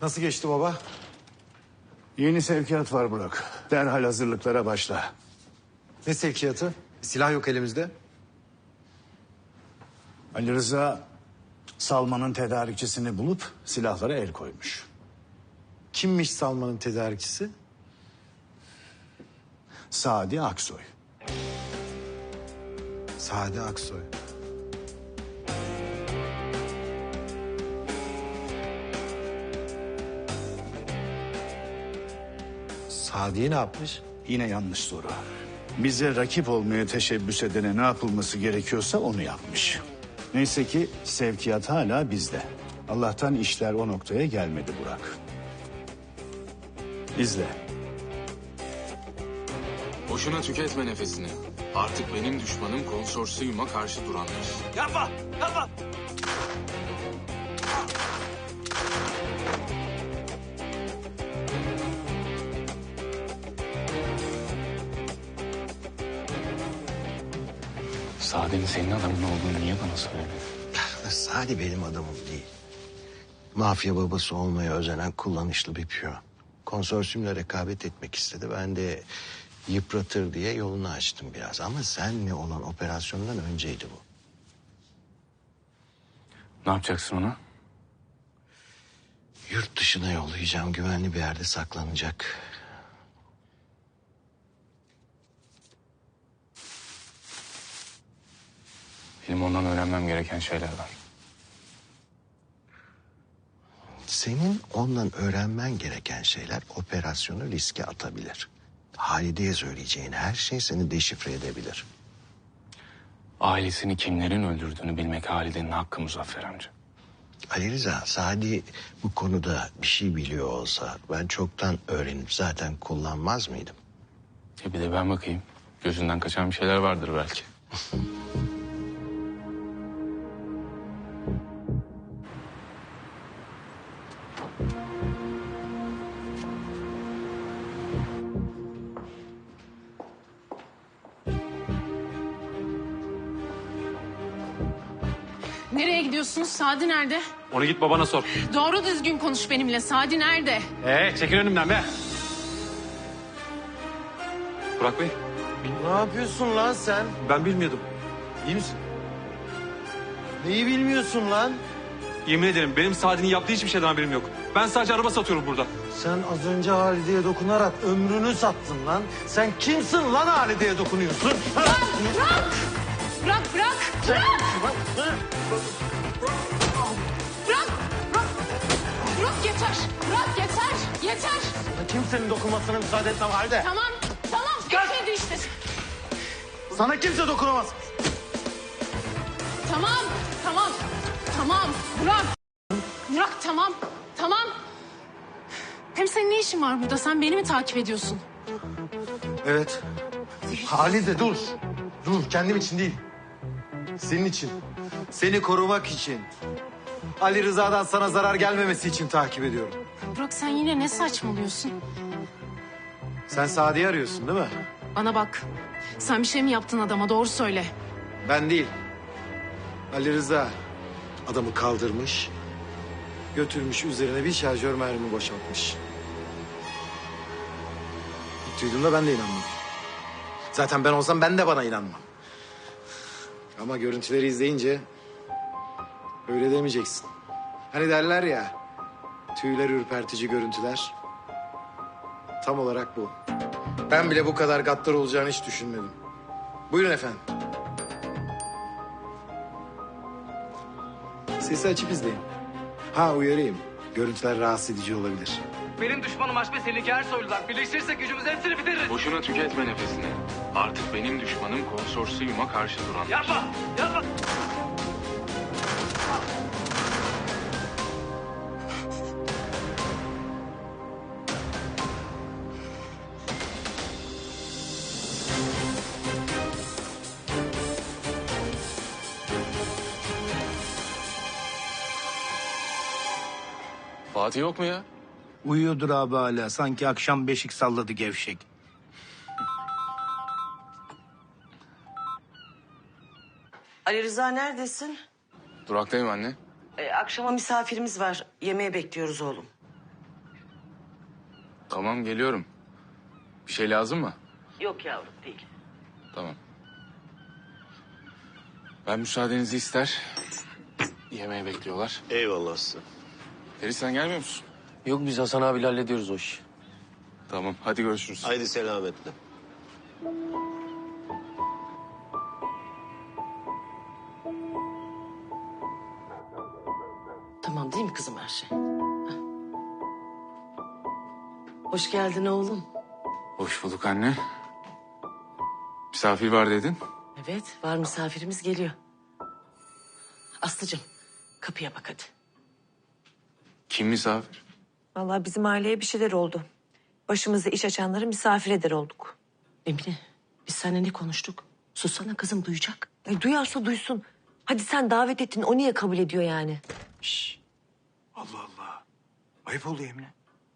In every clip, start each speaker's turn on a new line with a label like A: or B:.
A: Nasıl geçti baba?
B: Yeni sevkiyat var Burak. Derhal hazırlıklara başla.
A: Ne sevkiyatı? Silah yok elimizde.
B: Ali Rıza Salman'ın tedarikçisini bulup silahlara el koymuş.
A: Kimmiş Salman'ın tedarikçisi?
B: Sadi Aksoy.
A: Sadi Aksoy. Sadi'ye ne yapmış?
B: Yine yanlış soru. Bize rakip olmaya teşebbüs edene ne yapılması gerekiyorsa onu yapmış. Neyse ki sevkiyat hala bizde. Allah'tan işler o noktaya gelmedi Burak. İzle.
C: Boşuna tüketme nefesini. Artık benim düşmanım konsorsiyuma karşı duranlar.
D: Yapma! Yapma!
C: Sade'nin senin adamın olduğunu niye bana söylemedin?
E: Sadi benim adamım değil. Mafya babası olmaya özenen kullanışlı bir piyon. Konsorsiyumla rekabet etmek istedi. Ben de yıpratır diye yolunu açtım biraz. Ama senle olan operasyondan önceydi bu.
C: Ne yapacaksın ona?
E: Yurt dışına yollayacağım. Güvenli bir yerde saklanacak.
C: Benim ondan öğrenmem gereken şeyler var.
E: Senin ondan öğrenmen gereken şeyler operasyonu riske atabilir. Halide'ye söyleyeceğin her şey seni deşifre edebilir.
C: Ailesini kimlerin öldürdüğünü bilmek Halide'nin hakkı Muzaffer amca.
E: Ali Rıza, Sadi bu konuda bir şey biliyor olsa ben çoktan öğrenip zaten kullanmaz mıydım?
C: Bir de ben bakayım. Gözünden kaçan bir şeyler vardır belki.
F: Nereye gidiyorsunuz? Sadi nerede?
D: Onu git babana sor.
F: Doğru düzgün konuş benimle. Sadi nerede?
D: Çekil önümden be. Burak Bey,
A: Ne yapıyorsun lan sen?
D: ben bilmiyordum. İyi misin?
A: Neyi bilmiyorsun lan?
D: Yemin ederim benim Sadi'nin yaptığı hiçbir şeyden haberim yok. Ben sadece araba satıyorum burada.
A: Sen az önce Halide'ye dokunarak ömrünü sattın lan. Sen kimsin lan Halide'ye dokunuyorsun?
F: Bırak! Bırak! Bırak! Bırak! Bırak! Bırak! Bırak yeter! Bırak yeter! Yeter!
A: Kimsenin dokunmasına müsaade etmem Halide.
F: Tamam! Tamam! Getirdi işte.
A: Sana kimse dokunamaz.
F: Tamam! Tamam! Tamam! Bırak! Bırak tamam! Tamam! Hem senin ne işin var burada? Sen beni mi takip ediyorsun?
A: Evet. Halide dur. Dur, kendim için değil. Senin için. Seni korumak için. Ali Rıza'dan sana zarar gelmemesi için takip ediyorum.
F: Burak sen yine ne saçmalıyorsun?
A: Sen Sadi'yi arıyorsun değil mi?
F: Bana bak. Sen bir şey mi yaptın adama? Doğru söyle.
A: Ben değil. Ali Rıza adamı kaldırmış, götürmüş üzerine bir şarjör mermi boşaltmış. İlk duyduğumda ben de inanmadım. Zaten ben olsam ben de bana inanmam. Ama görüntüleri izleyince öyle demeyeceksin. Hani derler ya, tüyler ürpertici görüntüler. Tam olarak bu. Ben bile bu kadar gaddar olacağını hiç düşünmedim. Buyurun efendim. Sesi açıp izleyin. Ha uyarayım. Görüntüler rahatsız edici olabilir.
D: Benim düşmanım Haşmet Selinki Ersoylular. Birleştirirsek gücümüzü hepsini bitiririz.
C: Boşuna tüketme nefesini. Artık benim düşmanım konsorsiyuma karşı duranlar.
D: Yapma! Yapma!
C: Fatih yok mu ya?
G: Uyuyordur abi hala. Sanki akşam beşik salladı gevşek.
H: Ali Rıza neredesin?
C: Duraktayım anne.
H: Akşama misafirimiz var. Yemeğe bekliyoruz oğlum.
C: Tamam geliyorum. Bir şey lazım mı?
H: Yok yavrum değil.
C: Tamam. Ben müsaadenizi ister. Yemeğe bekliyorlar.
I: Eyvallah Aslı.
C: Ferit sen gelmiyor musun?
J: Yok biz Hasan abiyle hallediyoruz o işi.
C: Tamam hadi görüşürüz.
I: Haydi selametle.
H: Tamam değil mi kızım her şey? Heh. Hoş geldin oğlum.
C: Hoş bulduk anne. Misafir var dedin.
H: Evet var misafirimiz geliyor. Aslıcığım kapıya bak hadi.
C: Kim misafir?
K: Vallahi bizim aileye bir şeyler oldu. Başımıza iş açanları misafir eder olduk.
H: Emine biz seninle ne konuştuk? Sussana kızım duyacak.
K: Duyarsa duysun. Hadi sen davet ettin, o niye kabul ediyor yani?
G: Allah Allah. Ayıp oluyor Emine.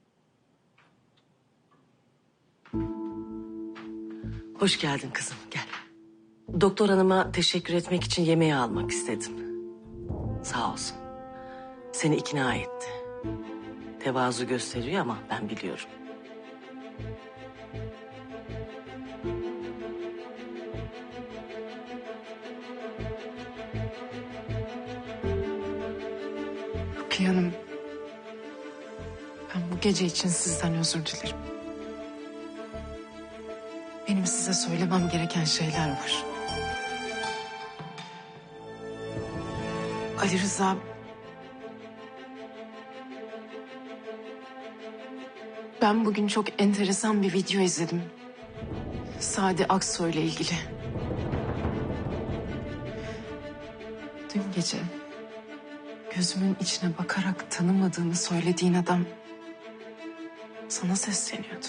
H: Hoş geldin kızım gel. Doktor hanıma teşekkür etmek için yemeği almak istedim. Sağ olsun. Seni ikna etti. Tevazu gösteriyor ama ben biliyorum.
F: Rukiye Hanım. Ben bu gece için sizden özür dilerim. Benim size söylemem gereken şeyler var. Ali Rıza... Ben bugün çok enteresan bir video izledim. Sadi Aksoy ile ilgili. Dün gece gözümün içine bakarak tanımadığını söylediğin adam sana sesleniyordu.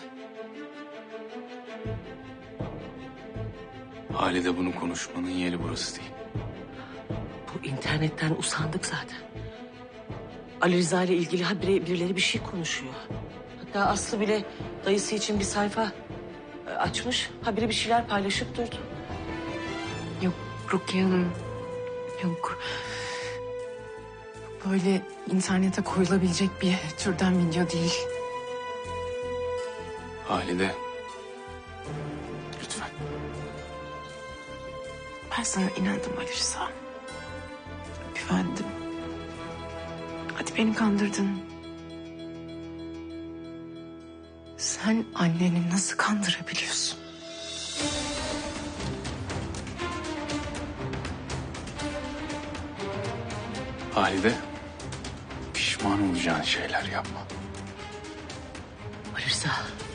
C: Halide bunu konuşmanın yeri burası değil.
H: Bu internetten usandık zaten. Ali Rıza ile ilgili habire birileri bir şey konuşuyor. Hatta Aslı bile dayısı için bir sayfa açmış. Habire bir şeyler paylaşıp durdu.
F: Yok Rukiye Hanım, yok. Böyle internete koyulabilecek bir türden video değil.
C: Halide. Lütfen.
F: Ben sana inandım Ali Rıza. Güvendim. Hadi beni kandırdın. Sen anneni nasıl kandırabiliyorsun?
C: Halide. Pişman olacağın şeyler yapma.
H: Ali Rıza.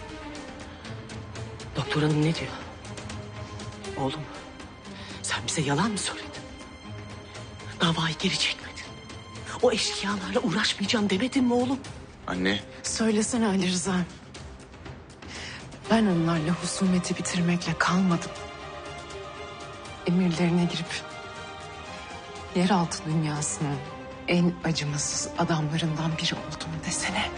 H: Doktor hanım ne diyor? Oğlum sen bize yalan mı söyledin? Davayı geri çekmedin. O eşkıyalarla uğraşmayacağım demedin mi oğlum?
C: Anne.
F: Söylesene Ali Rıza. Ben onlarla husumeti bitirmekle kalmadım. Emirlerine girip yeraltı dünyasının en acımasız adamlarından biri oldum desene.